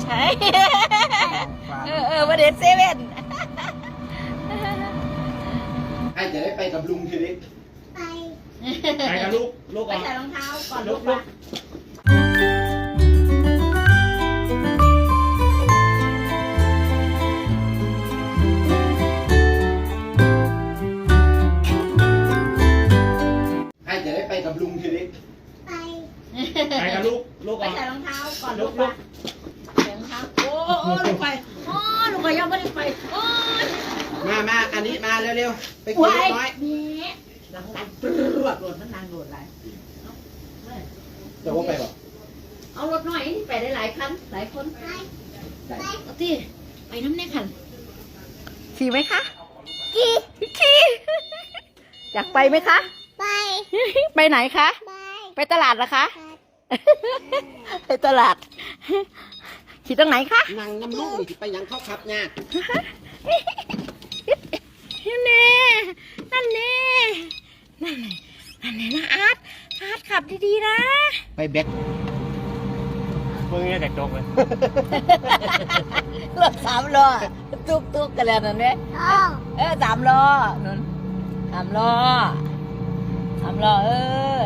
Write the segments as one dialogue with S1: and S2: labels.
S1: ใช่ประเด็นเซเว่น
S2: ไอ้จะได้ไปกับลุงทีนี้ไปกับลูก
S1: ไปใส่รองเท้าก่อนลูก
S2: ไอ้จะได้ไปกับลุงทีนี้ไปกับลูก
S1: ไปใส่รองเท้าก่อนลูกใส่รองเท้าโอ้ลูกไปลูกไปยังไม่ได้ไปโอ้ย
S2: มาอันนี้มาเร็วๆไปกินเล็กน้อย
S1: นี่หลังปลวดโดดมันนางโดดไหล
S2: จะว่าไปบ่
S1: เอารถหน่อยไปได้หลายคันหลายคนเอาที่ไปน้ำแน่คันขี่ไหมคะขี่อยากไปไหมคะไปไหนคะไปตลาดเหรอคะไปตลาดขี่ตรงไหนคะ
S2: นั่งน้ำลูกนี่ไปยังเข้าขับเนี่ย
S1: นั่นนะอาร์ตขับดีๆนะ
S2: ไปแบ็ค
S3: มึงเนี่ยแต่จกเลย
S1: รถ3 ล้อตุ๊กกันแล้วนั่นเนี่ย3 ล้อนั่น3 ล้อเอ้ย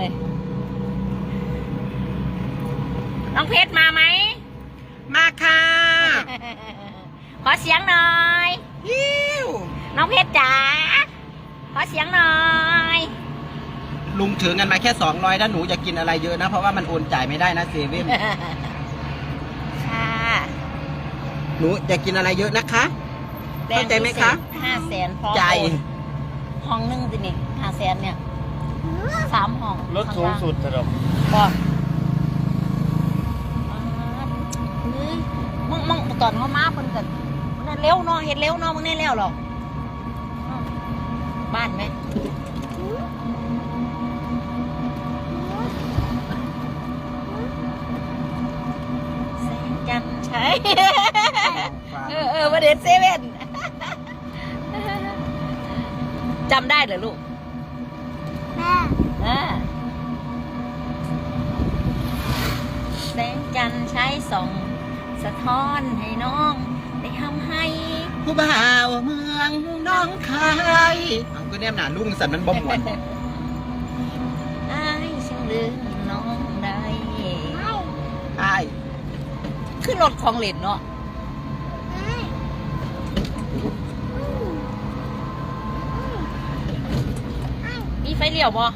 S1: น้องเพชรมาไหม
S2: มาค่ะ
S1: ขอเสียงหน่อย
S2: ฮิว
S1: น้องเพชรจ๋าขอเสียงหน่อย
S2: ลุงถือเงินมาแค่200ถ้าหนูจะกินอะไรเยอะนะเพราะว่ามันโอนจ่ายไม่ได้นะเซเว่น
S1: ค่ะ
S2: หนูจะกินอะไรเยอะนะคะเข้าใจไหมคะ
S1: 500,000พอ
S2: ใจ
S1: ห้องนึงสินี่500,000เนี่ย3 ห้อง
S3: รถสูงสุดสำหรับ
S1: บอกมึงตอนเขามาเพิ่นกันมันเร็วเนาะเห็นเร็วเนาะมึงแน่แล้วหรอกบ้านไหมแสงจันทร์ใช่ประเด็นเซเว่นจำได้เหรอลูกแสงจันทร์ใช้ส่องสะท้อนให้น้องได้ทำให้
S2: ผู้บ่าวเมืองน้องคายเอาก็แนมหนาลุงสันมันบ่มวน
S1: อ้ายฉันลืมน้องได้
S2: ใช่
S1: ขึ้นรถของเล่นเนาะมีไฟเลี้ยวบ่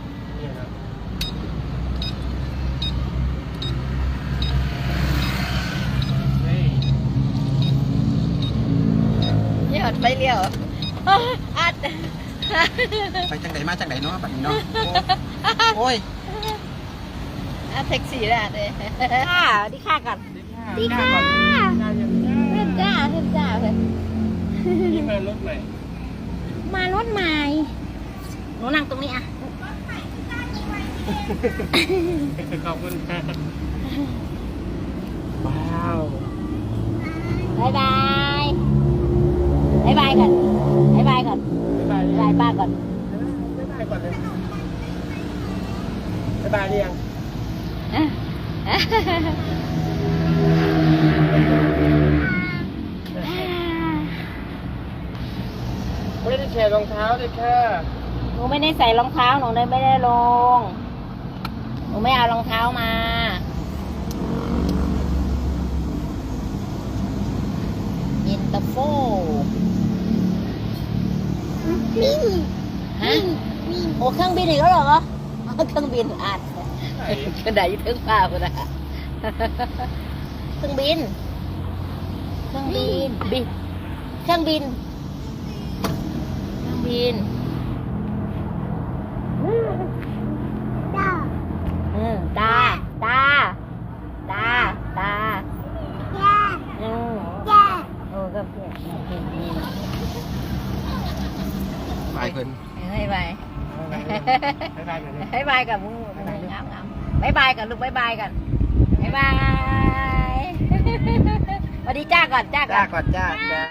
S1: ยอดไฟเลี้ยวอัด
S2: ไปจังไหนมาจังไหนเนาะแบบนี้เนาะโอ้ย
S1: แท็กซี่แหละเลยค่ะดีค่ะกันดีค่ะเพิ่มจ้าเลย
S3: นี่มารถใหม่
S1: มารถใหม่หนูนั่งตรงนี้อ่ะ
S3: ขอบคุณครับว้าว
S1: บายบายก่อนบายบายก่อนบายป้าก่อน
S3: บ๊ายบายก่อนเลยบ๊ายบายเรียงไม่ได้แชร์รองเท้าเลยค่ะ
S1: หนูไม่ได้ใส่รองเท้าหนูเลยไม่ได้ลงหนูไม่เอารองเท้ามาเย็นตาโฟฮะโอ้เครื่องบินอีกแล้วเหรอเครื่องบินอ่านกระดาษยึดเครื่องฟ้าไปนะเครื่องบินเครื่องบินตาก็เพี้ยน
S2: ไปเพิ่น
S1: ให้บาย
S3: บ๊ายบายกันเลย
S1: ให้บายกับมึงงามบายบายกันลูกบายบายกันบายบายสวัสดีจ้าก่อน
S2: จ้าก่อนจ้า